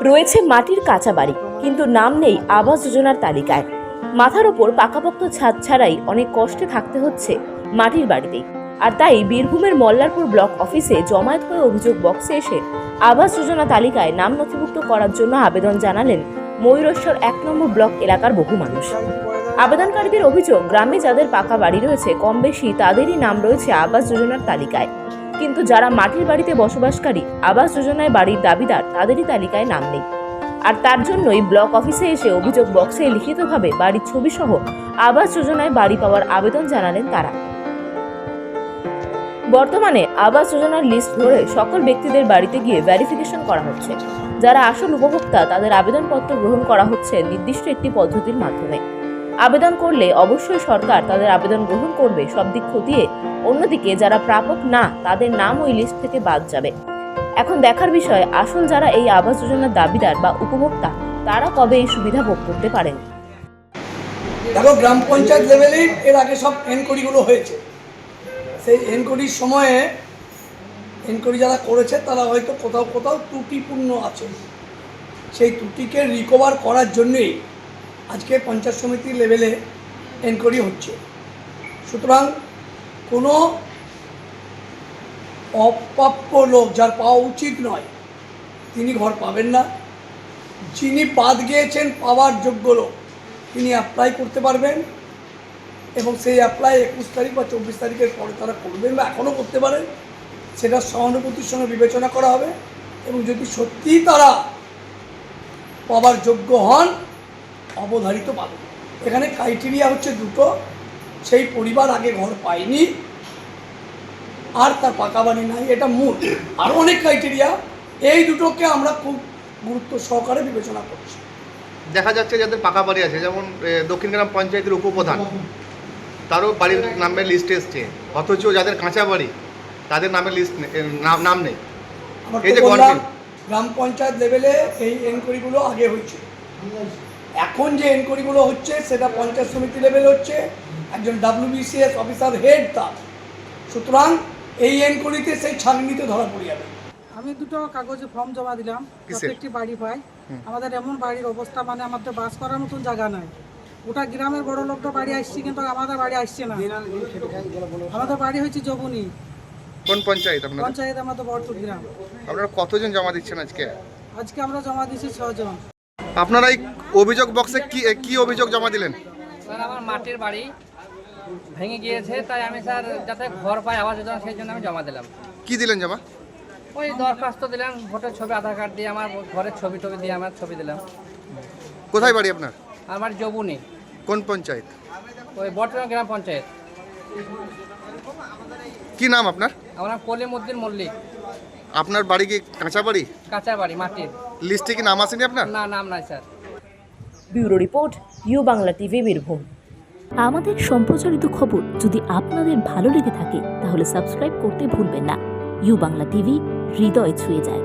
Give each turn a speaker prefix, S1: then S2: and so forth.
S1: রয়েছে মাটির কাঁচা বাড়ি, কিন্তু নাম নেই আবাস যোজনার তালিকায়। মাথার ওপর পাকাপোক্ত ছাদ ছাড়াই অনেক কষ্টে থাকতে হচ্ছে মাটির বাড়িতেই। আর তাই বীরভূমের মল্লারপুর ব্লক অফিসে জমায়েত হয়ে অভিযোগ বক্সে এসে আবাস যোজনা তালিকায় নাম নথিভুক্ত করার জন্য আবেদন জানালেন ময়ূরেশ্বর 1 নম্বর ব্লক এলাকার বহু মানুষ। আবেদনকারীদের অভিযোগ, গ্রামে যাদের পাকা বাড়ি রয়েছে কম বেশি তাদেরই নাম রয়েছে আবাস যোজনার তালিকায়, কিন্তু যারা মাটির বাড়িতে বসবাসকারী, আবাস যোজনায় বাড়ির দাবিদার, তাদেরই তালিকায় নাম নেই। আর তার জন্যই ব্লক অফিসে এসে অভিযোগ বক্সে লিখিতভাবে বাড়ির ছবি সহ আবাস যোজনায় বাড়ি পাওয়ার আবেদন জানালেন তারা। বর্তমানে আবাস যোজনার লিস্ট ধরে সকল ব্যক্তিদের বাড়িতে গিয়ে ভেরিফিকেশন করা হচ্ছে। যারা আসল উপভোক্তা তাদের আবেদনপত্র গ্রহণ করা হচ্ছে নির্দিষ্ট একটি পদ্ধতির মাধ্যমে। আবেদন করলে অবশ্যই সরকার তাদের আবেদন গ্রহণ করবে সব দিক খতিয়ে। অন্যদিকে যারা প্রাপক না, তাদের নাম ওই লিস্ট থেকে বাদ যাবে। এখন দেখার বিষয়, আসল যারা এই আবাস যোজনার দাবিদার বা উপভোক্তা, তারা কবে এই সুবিধা ভোগ করতে পারেন।
S2: দেখো, গ্রাম পঞ্চায়েত লেভেলেই এর আগে সব এনকোয়ারিগুলো হয়েছে। সেই এনকোয়ারির সময়ে এনকোয়ারি যারা করেছে তারা হয়তো কোথাও কোথাও ত্রুটিপূর্ণ আছে। সেই ত্রুটিকে রিকভার করার জন্যেই আজকে পঞ্চায়েত সমিতি লেভেলে এনকোয়ারি হচ্ছে। সুতরাং কোনো অপ্রাপ্য লোক, যার পাওয়া উচিত নয়, তিনি ঘর পাবেন না। যিনি বাদ গিয়েছেন পাওয়ার যোগ্য লোক, তিনি অ্যাপ্লাই করতে পারবেন এবং সেই অ্যাপ্লাই 21 তারিখ বা 24 তারিখের পরে তারা করবেন বা এখনও করতে পারেন। সেটা সহানুভূতির সঙ্গে বিবেচনা করা হবে এবং যদি সত্যিই তারা পাওয়ার যোগ্য হন, অবধারিত পাবেন। এখানে ক্রাইটেরিয়া হচ্ছে দুটো: সেই পরিবার আগে ঘর পায়নি আর তার পাকা বাড়ি নাই, এটা মূল। আরও অনেক ক্রাইটেরিয়া, এই দুটোকে আমরা খুব গুরুত্ব সহকারে বিবেচনা করছি।
S3: দেখা যাচ্ছে যাদের পাকা বাড়ি আছে, যেমন দক্ষিণ গ্রাম পঞ্চায়েতের উপপ্রধান, তারও বাড়ির নামের লিস্ট এসছে, অথচ যাদের কাঁচা বাড়ি তাদের নামের লিস্ট নাম নেই। এই যে
S2: গ্রাম পঞ্চায়েত লেভেলে এই এনকোয়ারিগুলো আগে হয়েছে, এখন যে এনকোয়ারিগুলো হচ্ছে সেটা পঞ্চায়েত সমিতি লেভেলে হচ্ছে, একজন WBCS অফিসার হেড তার। সুতরাং এই এনকোয়ারিতে সেই ছাঁকনিতে ধরা পড়ে যাবে।
S4: আমি দুটো কাগজে ফর্ম জমা দিলাম, প্রত্যেকটি বাড়ি পাই। আমাদের এমন বাড়ির অবস্থা, মানে আমাদের বাস করার মতন জায়গা নাই। ওটা গ্রামের বড় লোকটা বাড়ি আসছে, কিন্তু আমাদের বাড়ি আসছে না। আমাদের বাড়ি হচ্ছে জবুনি।
S3: কোন পঞ্চায়েত আপনাদের?
S4: পঞ্চায়েত আমাদের বড়তুর গ্রাম।
S3: আপনারা কতজন জমা দিচ্ছেন আজকে?
S4: আজকে আমরা জমা দিয়েছি 6 জন।
S3: আপনারা এই অভিযোগ বক্সে কি অভিযোগ জমা দিলেন?
S5: স্যার, আমার মাটির বাড়ি ভেঙে গিয়েছে, তাই আমি স্যার যাতে ঘর পাই আবাস যোজনা, সেই জন্য আমি জমা দিলাম।
S3: কি দিলেন জমা?
S5: ওই দরখাস্ত দিলাম, ভোটের ছবি, আধার কার্ড দিয়ে, আমার ঘরের ছবি দিয়ে আমার ছবি দিলাম।
S3: কোথায় বাড়ি আপনার?
S5: আমার জবুনি।
S3: কোন পঞ্চায়েত?
S5: ওই বর্তমান গ্রাম পঞ্চায়েত।
S3: কি নাম আপনার?
S5: আমার নাম কলিমউদ্দিন মল্লিক।
S3: আপনার বাড়ি কি কাঁচা বাড়ি?
S5: কাঁচা বাড়ি, মাটির।
S3: লিস্টে কি নাম আসেনি আপনার?
S5: না, নাম নাই sir.
S1: Bureau report, U Bangla TV, Birbhum.
S6: আমাদের সম্প্রচারিত খবর যদি আপনাদের ভালো লেগে থাকে তাহলে সাবস্ক্রাইব করতে ভুলবেন না। ইউ বাংলা টিভি, হৃদয় ছুঁয়ে যায়।